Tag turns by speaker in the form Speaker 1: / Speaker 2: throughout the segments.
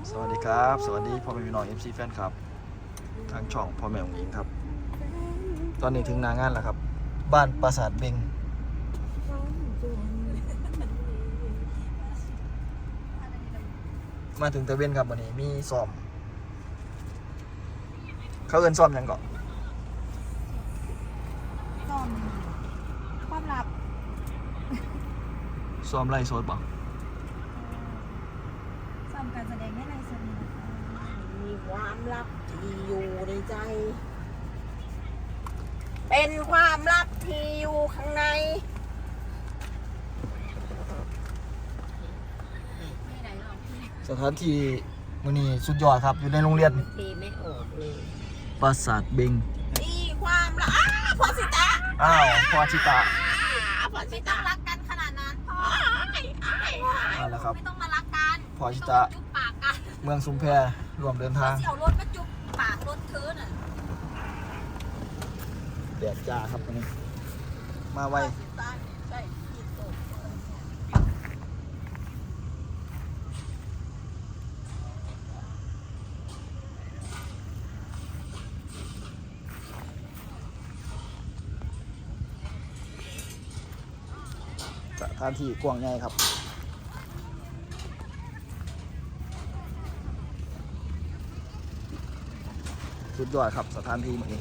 Speaker 1: สวัสดีครับสวัสดีพ่อแม่พี่น้อง MC แฟนครับทางช่องพ่อแม่ของหญิงครับตอนนี้ถึงหน้างานแล้วครับบ้านปราสาทเบงมาถึงตะเวนครับวันนี้มีซ้อมเขาเอิ้นซ้อมหยังก่อน
Speaker 2: ซ่อมความลับ
Speaker 1: ซ้อมไล่โซดบ่
Speaker 2: ซ่อมการแสดงในไลฟ์สดนี่นะคะ
Speaker 3: มีความลับที่อยู่ในใจ เป็นความลับที่อยู่ข้างใน
Speaker 1: สถานที่มื้อนี้สุดยอดครับอยู่ในโรงเรียน
Speaker 3: ทีไม่ออกเลย
Speaker 1: ปราสาทเบง
Speaker 3: มีความลับพอสิตา
Speaker 1: อ้าวพ่อชิตะ
Speaker 3: พอสิ
Speaker 2: ไม่ต้
Speaker 3: ตา
Speaker 2: องรักกันขนาดนั้นพ่อ
Speaker 1: มาแล้วครับ
Speaker 2: ไม่ต้องมารักกัน
Speaker 1: พ่อชิ
Speaker 2: ไม่
Speaker 1: ตะ
Speaker 2: ต้องจุ๊บปากกัน
Speaker 1: เมืองชุมแพรวมเดินทาง
Speaker 2: เสี่ยวรถมาจุ๊บปากรถเธอน่ะ
Speaker 1: แดดจ้าครับวันนี้มาไว
Speaker 3: ใช่ที่สุด
Speaker 1: สถานที่กว้างใหญ่ครับสุดยอดครับสถานที่แบบนี้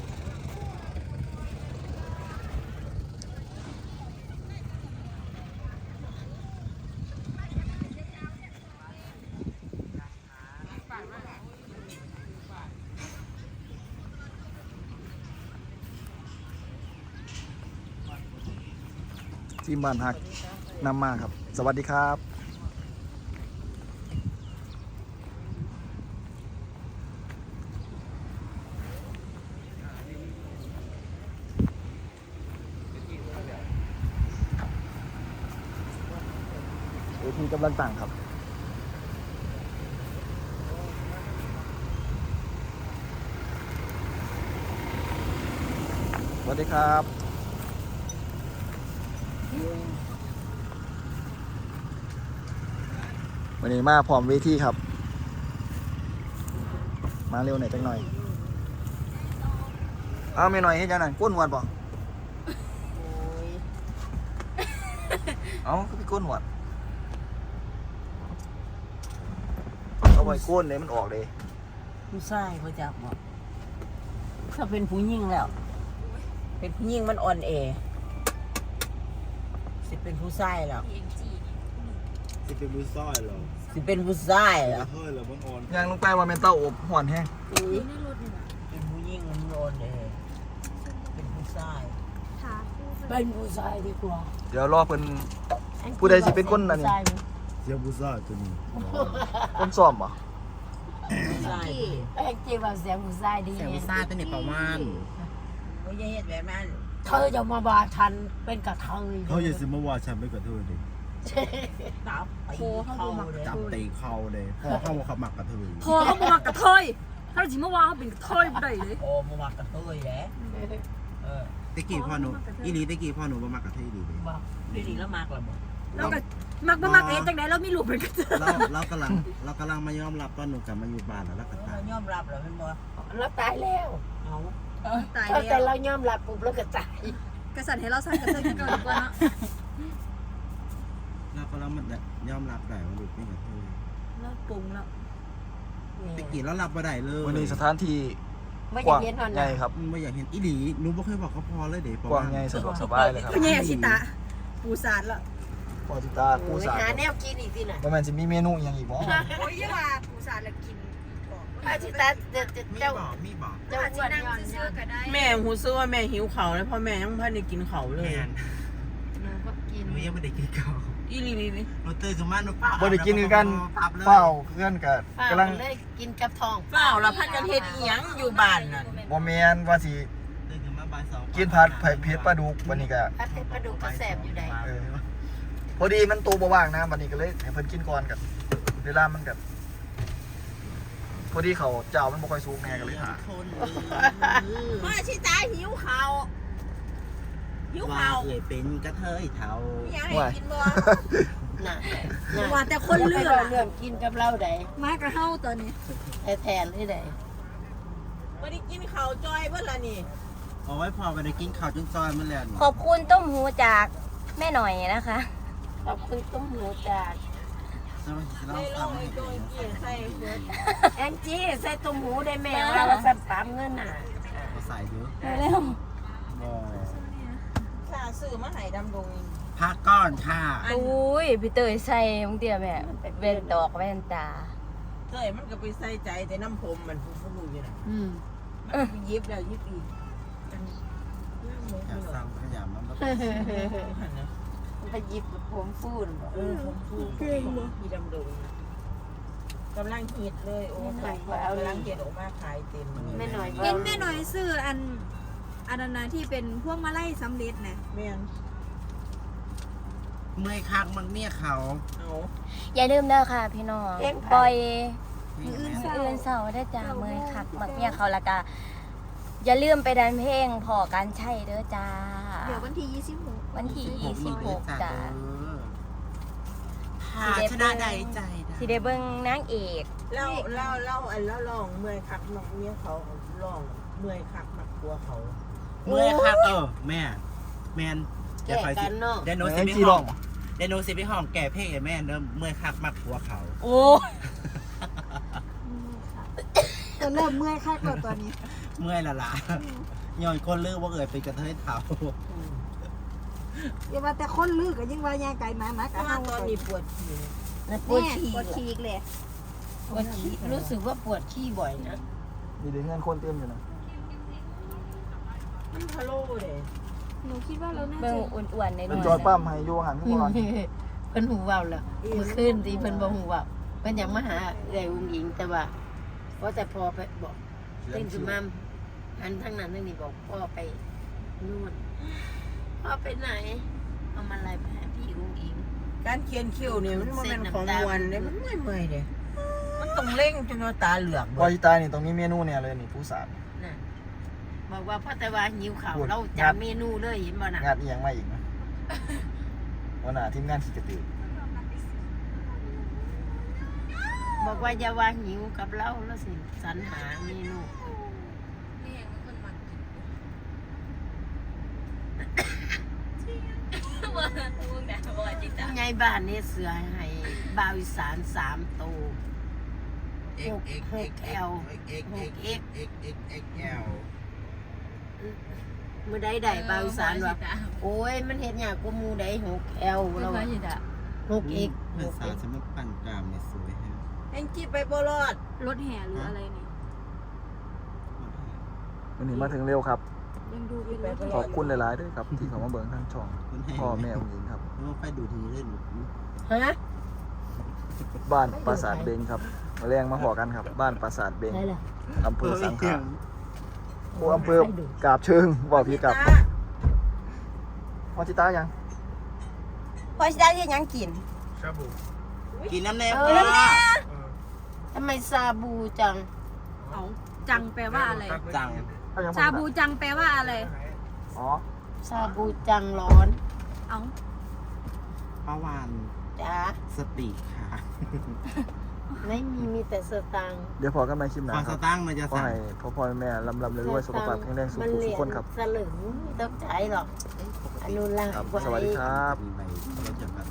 Speaker 1: ทีมบ้านฮักนำมาครับ สวัสดีครับเวทีกำลังตั้งครับสวัสดีครับวันนี้มาพร้อมเวทีครับ มาเร็วหน่อยจังหน่อยเอาไม่หน่อยให้จังหน่อยก้นหวดบ่
Speaker 3: โอ้ย
Speaker 1: เอาก็พี่ก้นหวดเอาไว้ก้นเลยมันออกเลย
Speaker 3: ผู้ชายเขาจะบอกถ้าเป็นผู้หญิงแล้ว เป็นผู้หญิงมันอ่อนแอสิเป็นผู้ชายแล้ว
Speaker 4: จะเป็นมือซ้อยเหรอ
Speaker 3: สิเป็นผู้ชายแล้ว
Speaker 4: เฮ้ยเหรอบังออน
Speaker 1: ยางลงไปว่าเมนเต้าอบห่อนแห้ง
Speaker 3: เป็นผู้หญิงมันอ่อนแอเป็นผู้ชาย
Speaker 2: ค่ะ
Speaker 3: เป็นผู้ชายดีกว่า
Speaker 1: เดี๋ยวรอเพิ่น ผู้ใดสิเป็นคนอันนี้
Speaker 4: เสียบุซ่าตัวนี้
Speaker 1: คนซ้อมบ่
Speaker 3: ผู้ชาย
Speaker 5: แองจี้ว่าเสียงผู้ชายดี
Speaker 4: เสียบุ
Speaker 5: เนี่ย
Speaker 4: ซ่าตัวนี้ประมาณ
Speaker 3: เขาจะเฮ็ดแบบนั้น
Speaker 5: เธอจะมาบาฉันเป็นกระเทย
Speaker 4: เขาอย่าสิมาว่าฉันไม่กระเทยดิ
Speaker 3: ตับไปเข้าเลย
Speaker 4: จับตีเข่าเลยพอเข้าขับหมักกระเทย
Speaker 6: พอเขาบอกว่ากระเทยถ้าจริงเมื่อวานเขาเป็นกระเทยบ่ได้เลย
Speaker 3: โอ้มาวักกระเทยแหละเออ
Speaker 4: ตะกี้พ่อหนูอีหลีตะกี้พ่อหนูมาหมักกระเทยดีเลย
Speaker 3: บอกดีๆแล้วมากละหมด
Speaker 6: แล้วก็มักบ่มักเองจังไดแล้วมีลูกเป็นกระเทย
Speaker 4: เรากำลังมายอมรับว่าหนูกลับมาอยู่บ้านแล้วก็ตา
Speaker 3: เรา
Speaker 4: ย
Speaker 3: ยอมรับแล้วมันบอก
Speaker 5: แล้วตายแล้ว
Speaker 3: เอา
Speaker 6: ตาย
Speaker 5: แต่
Speaker 6: แล้ว
Speaker 5: เรายอมรับปุ๊บแล้วก็ตาย
Speaker 6: กษัตริย์ให้เราสร้างกระเทยขึ้นก่อนดีกว่าเนาะ
Speaker 4: เรากำลังมันยอมรับได้ว่าลูกเป็นกระเทย
Speaker 6: เราปรุงแล้ว
Speaker 4: ตะกี้เรารับมาได้เลย
Speaker 1: วันนี้สถานที่
Speaker 5: ไม่
Speaker 1: ก
Speaker 5: จะ
Speaker 1: ว้าง
Speaker 5: เย็นหน่อย
Speaker 1: ใหญ่ครับ
Speaker 4: ไม่อยากเห็นอีหลีหนูบ่เคยบอกเขาพอเลยเด็ก
Speaker 1: กว้างใหญ่สะดวกสบายเลยครับ
Speaker 6: คุณยายชิตะปูสาดแล้ว
Speaker 1: พอจิตาปูสา
Speaker 5: หาแนวกินอีกทีน่ะ
Speaker 1: ประมาณจะมีเมนูอหย่างอีกบ่
Speaker 6: โอ้ยอย่าว่าปูสาดแล้วกินบอก
Speaker 5: อาชิตาเจ้า
Speaker 4: มีบอก
Speaker 5: เจ้า
Speaker 6: อาจ
Speaker 5: อ้
Speaker 6: จะ
Speaker 5: วน
Speaker 6: นั่ง
Speaker 5: ย้อน
Speaker 6: ซื่อๆก็ได้
Speaker 3: แม่หูซื้อว่าแม่หิวเขาแล้วพ่อแม่ยังพันได้กินเขาเลย
Speaker 5: หนูก็กิน
Speaker 4: หนูยังไม่ได้กินข้าว
Speaker 3: อีลีบี
Speaker 4: หนูตื่นขึ้นมาหนูป้า
Speaker 1: บ่ได้กินคือกันเฝ้าเพื่อนกับกำลัง
Speaker 5: เลยกินกับทอง
Speaker 3: เปล่าเราพันกันเฮ็ดอีหยังอยู่บ้านนั่น
Speaker 1: บ่แม่นว่าสิ
Speaker 4: ตื่นขึ้นมาบ่ายสอง
Speaker 1: กินผัดไผ่เผ็ดปลาดุกวันนี้ก็
Speaker 5: พัดเพชรปลาดุกก็แสบอยู่ใด
Speaker 1: เออพอดีมันโตบ่ว่างนะวันนี้ก็เลยให้เพิ่นกินก่อนกับเวลามันกับพอดีเขาเจ้ามันบ่ค่อยสูงแน่ก็เลยหา
Speaker 3: พ่อชิตาหิวเขาหิว
Speaker 4: ว่า
Speaker 3: เขา
Speaker 4: เอ่ยเป็นกระเทยเทา
Speaker 3: อยากให้กินบ่
Speaker 5: น่ะ
Speaker 2: ว่าแต่คนเลือก
Speaker 5: เรื่องกินกับเราได้
Speaker 2: มากับเฮาตอนนี้
Speaker 5: แทนที่ได้
Speaker 3: บ่ได้กินข้าวจอยเบิ่ล่ะนี่
Speaker 4: เอาไว้พอไปได้กินข้าวจนซอยมันแล้วนี่
Speaker 7: ขอบคุณต้มหูจากแม่หน่อยนะคะ
Speaker 5: ขอบคุณต้มหูจาก
Speaker 4: เรา
Speaker 3: ได้ล
Speaker 4: ทำ
Speaker 3: ง
Speaker 4: ให้
Speaker 3: ไอ้โดยกินใส่เบิด
Speaker 5: แองจี้ใส่ต้มหูได้แม่ว่าสับปามเงินน่ะ
Speaker 4: เขาใส่เยอะ
Speaker 7: เร็ว
Speaker 4: บ่
Speaker 3: ค่าซื้อมาให้ดำดง
Speaker 4: พักก้อนค่ะ
Speaker 7: อุ้ยพี่เตยใส่มึงเดียวแม่เว้นดอกแว่นตา
Speaker 3: เคยมันก็ไปใส่ใจแต่น้ำผมมันฟูๆอยู่น่ะ
Speaker 5: อืม
Speaker 3: มันไปยิบแล้วยิบอีก
Speaker 4: อยากสั่งขยำมัน
Speaker 5: ไปหยิบผมฟูนบ่
Speaker 3: ผมฟูพี่ดำดงกำลังฮิตเลยโอ้ยเอาลังเกตออกมาขายเต็ม
Speaker 5: แม่หน่อย
Speaker 2: เห็นแม่หน่อยซื้ออันนั้นนะที่เป็นพวกมาไล่สำเร็จนะ
Speaker 3: แม่น
Speaker 4: เมื่อยคักมันเนี่ยเขา
Speaker 3: เอา
Speaker 7: อย่าลืมเด้อค่ะพี่น้องปล่อย
Speaker 4: นี่
Speaker 7: มื้อ
Speaker 4: แม่
Speaker 7: อื่นเสาร์ได้จ้าเมยคักมักเมียเขาละกาอย่าลืมไปดันเพลงพอการใช่เด้อจ้า
Speaker 2: เดี๋ยววันที่26
Speaker 7: วันที่26จ้า
Speaker 4: หาชนะใดใจ
Speaker 7: สิได้เบิ่งนางเอก
Speaker 3: เล่าอันแล้วลองเมื่อยคักมักเมียเขาลองเมื่อยคักมักตัวเขา
Speaker 4: เมื่อยคักแม่แมน
Speaker 5: แก่กันเนาะ
Speaker 4: เดนโน
Speaker 1: แม่
Speaker 4: สิ
Speaker 1: ง
Speaker 4: ไป
Speaker 1: จี
Speaker 4: ห้
Speaker 1: ร้
Speaker 4: อ
Speaker 1: อง ง
Speaker 4: เดนโนสิไปห้องแก่เพลงไอ้แม่เดิมเมื่อยคักมักหัวเขา
Speaker 7: โอ้
Speaker 2: จะเริ่มเมื่อยคักแล้วตอนนี้
Speaker 4: เมื่อยละล่ะย้อนคนเลือกว่าเอ่ยเป็นกระเทยเถา
Speaker 2: อย่าว่าแต่คนลือก็ยิ่งว่ายายไก่หมากับ
Speaker 3: ถ้า
Speaker 2: เฮา
Speaker 3: ตอนนี้ปวดฉี่
Speaker 5: แล้วป
Speaker 2: ป
Speaker 5: ว
Speaker 2: ว
Speaker 5: ด
Speaker 2: ด
Speaker 5: ขี้
Speaker 2: ขี้อีกเลย
Speaker 5: ปวดขี้รู้สึกว่าปวดขี้บ่อยนะ
Speaker 1: มีเด็กเงินคนเต็มอยู่นะ
Speaker 3: มันพะโล่เลย
Speaker 2: หนูคิดว่าเราน่า
Speaker 7: เบิ่ง
Speaker 2: จะ
Speaker 7: อ้วนๆหน่
Speaker 1: เป็น
Speaker 7: อย
Speaker 1: จอยปั้มให้โยหันขึ้นก่อน
Speaker 5: เพิ่นหูเว้าแล้วเมื่อคืนที่เพิ่นบ่หูเว้าเพิ่นอยากมาหาเอื้อยอุ้งอิงแต่ว่าพอแต่พอไปบอกเต้นขึ้นมาอันทั้งนั้นทั้งนี้บอกพ่อไปนู่นพ่อไปไหนเอามาอะไรไปให้พี่อุ้งอิง
Speaker 3: การเขียนคิ้วเนี่ยมันเป็นของมวนเลยมันเมื่อยเลยมันต้องเร่งจนว่าตาเหลือก
Speaker 1: พอที่ตายนี่ตรงนี้เมนูเนี่ยเลยนี่ผู้สาร
Speaker 5: น่ะบอกว่าพ่อแต่ว่าหิวข้าว
Speaker 1: พูด
Speaker 5: เราจาเมนูเลยเห็นบ่น่ะ
Speaker 1: งานอีหยังมาอีกนะวันหน้าทีมงานขี่กระตือ
Speaker 5: บอกว่าอย่าว่าหิวกับเราแล้วสิสรรหาเมนู ไงบ้านนี่เสือให้บ่าวอีสาน3 ตัว 6L มือใดใดบ่าวอีสานว่าโอ้ยมันเห็นอย่างกูมูใด 6L เรา6X
Speaker 4: เมื่อสาวจะมาปั่นกรามเนี่ยสวยฮะ
Speaker 3: แองจี้ไปบ่รอด
Speaker 2: รถแห่หรืออะไรนี่
Speaker 1: วันนี้มาถึงเร็วครับ
Speaker 2: ยังดูเป็นรถ
Speaker 1: ขอบคุณหลายๆด้วยครับที่เขามาเบิ่งทางช่อง
Speaker 4: คุณให้
Speaker 1: พ่อแม่องค์หญิงครับ
Speaker 4: แล้วไปดูทีเล่น
Speaker 5: ฮะ
Speaker 1: บ้านปราสาทเบงครับมาแรงมาหอกันครับ บ้านปราสาทเบง
Speaker 5: ได้ล่ะ
Speaker 1: อำเภอสังขะโอ้อำเภอกาบเชิงบอกพี่กับพอจิตายัง
Speaker 7: พอสิได้เฮ็ดหยังกิน
Speaker 4: กินน้ำแน่
Speaker 5: ทำไมซาบูจัง
Speaker 2: เอาจังแปลว่าอะไร
Speaker 4: จัง
Speaker 1: เอายัง
Speaker 2: ชาบูจังแปลว่าอะไร
Speaker 1: อ๋อ
Speaker 5: ซาบูจังร้อน
Speaker 2: เอา
Speaker 4: ป้าวาน
Speaker 5: จ้า
Speaker 4: สติค่ะ
Speaker 5: ไม่มีแต่สตังค์
Speaker 1: เดี๋ยวพอกันใหม่คลิปห
Speaker 4: ควา
Speaker 1: น้าม ค
Speaker 4: ส
Speaker 1: รับ
Speaker 4: ตั้งมันจะ
Speaker 1: ขอ
Speaker 4: สั่ง
Speaker 1: ให้พ่อแม่ลำรวยๆสุขภาพแข็งแรงสุข
Speaker 5: มัน
Speaker 1: ทุ
Speaker 5: เหรี
Speaker 1: ก
Speaker 5: ยญ
Speaker 1: คนครับ
Speaker 5: สลึงไม่ต้องใช้หรอกอนุรักษ์
Speaker 1: ครับ
Speaker 5: ไว้
Speaker 1: สวัสดีครับ
Speaker 4: มีใบเราจะแบบ